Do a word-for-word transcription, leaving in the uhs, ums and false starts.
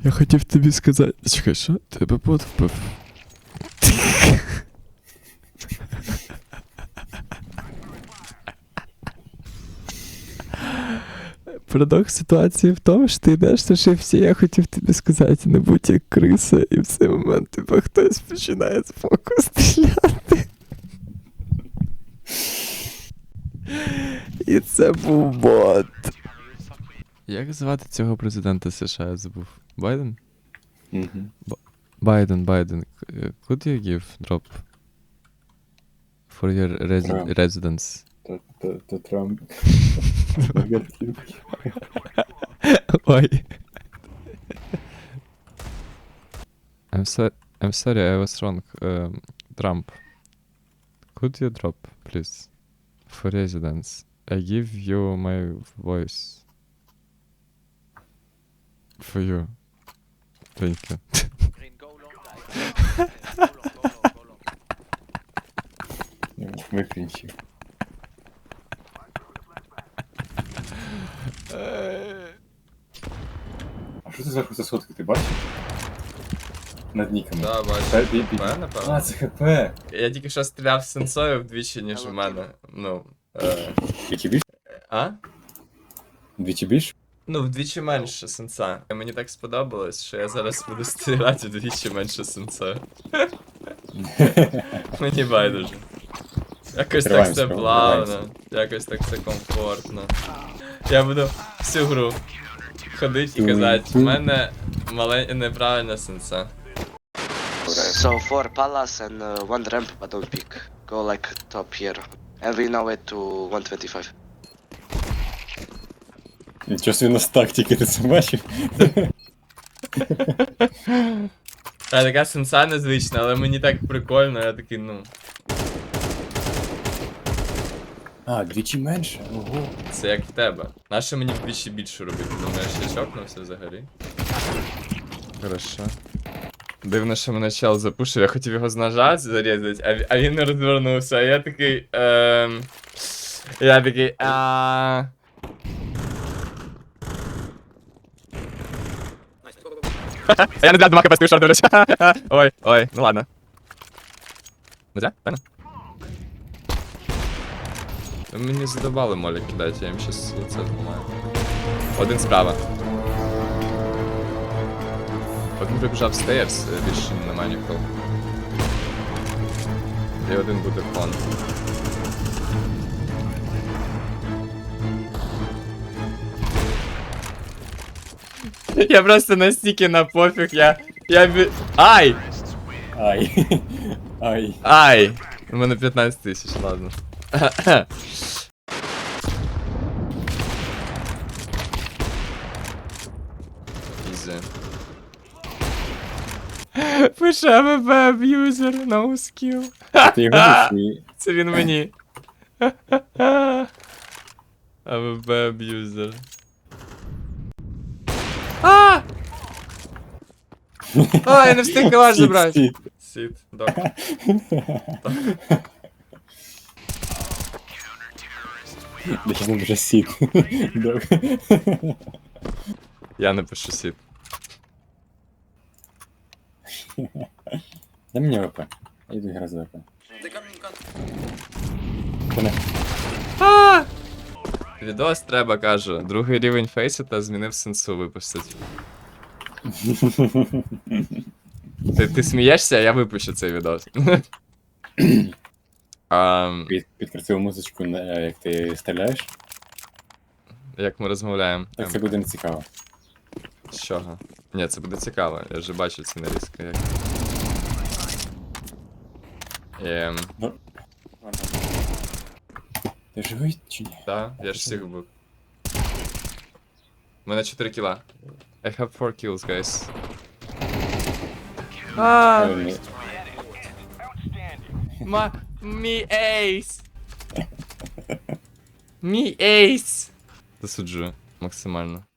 Я хотів тобі сказати. Чекай, що? Тебе бот вбив. Парадокс ситуації в тому, що ти йдеш на шифті, я хотів тобі сказати, не будь як криса, і в цей момент типу, хтось починає з боку стріляти. І це був бот. Як звати цього президента США, я забув? Байден? Мгм. Байден, Байден. Could you give drop for your resi- Трамп. residence? То, то, то Трамп. Ой. I'm, so I'm sorry, I was wrong. Um, Trump. Could you drop, please? For residence. I give you my voice. For you. Thank you. Green, go long, guys. Go long, go long, go long. Виключив. А що це зверху за сотки, ти бачиш? Над ніками. Да, Та, бачу. бі- бі- П, напевно. А, це ХП. Я тільки що стріляв сенсою вдвічі, ніж в мене. Ну. Е... Двічі більше? А? Двічі більше? Ну, вдвічі менше сенса. Мені так сподобалось, що я зараз буду стріляти вдвічі менше сенсою. Мені байдуже. Якось так Триваємо все справу, плавно, якось так все комфортно. Я буду всю гру ходити і казати, в мене маленька неправильна сенса. So four palace and uh, one ramp, but don't pick. Go like top here. And we now it to one twenty-five. Нічого собі у нас тактики, ти це бачив? Та така сенса незвична, але мені так прикольно, я такий, ну. А, двічі менше? Ого. Це як в тебе. Нащо мені вдвічі більше робити? Думаєш, я чокнувся взагалі? Хорошо. Дивно, що мене чел запушив, я хотів його з ножа зарізати, а, ві- а він не розвернувся, а я такий. Ем... Я такий. А... Я не для два хп шорт дивлюсь. Ой, ой, ну ладно. Нельзя? Правильно? Мені задавали молі кидати, я їм щас лице зламаю. Один справа. Один прибіжав стейрс, більше немає нікого. І один буде фон. Я просто настільки на пофіг, я... Я бі... Ай! Ай. Ай. Ай! У мене п'ятнадцять тисяч, ладно. Ізі. Пише АВП аб'юзер, no skill. Ти його душі. Це він мені. АВП аб'юзер. А! А, я не встиг калаш забрати. Сіт, Сіт, док. сіт. Да щас напише сіт. Док. Я напишу сіт. Дай мені ВП. Я йду грати за ВП. Коне. А! Відос треба, каже. Другий рівень фейсу та змінив сенсу випустити. Ти, ти смієшся, а я випущу цей відос. Ам, Під, підкрутив музичку, на- як ти стріляєш. як ми розмовляємо. Так це буде не цікаво. З чого? Ні, це буде цікаво, я вже бачу ці нарізки. Як... Ем, Ти живий чи ні? да, я ж всіх вбив. У мене чотири кіла. I have four kills, guys. А, Е, ні. ма... Мій ейс! Мій ейс! Засуджую максимально.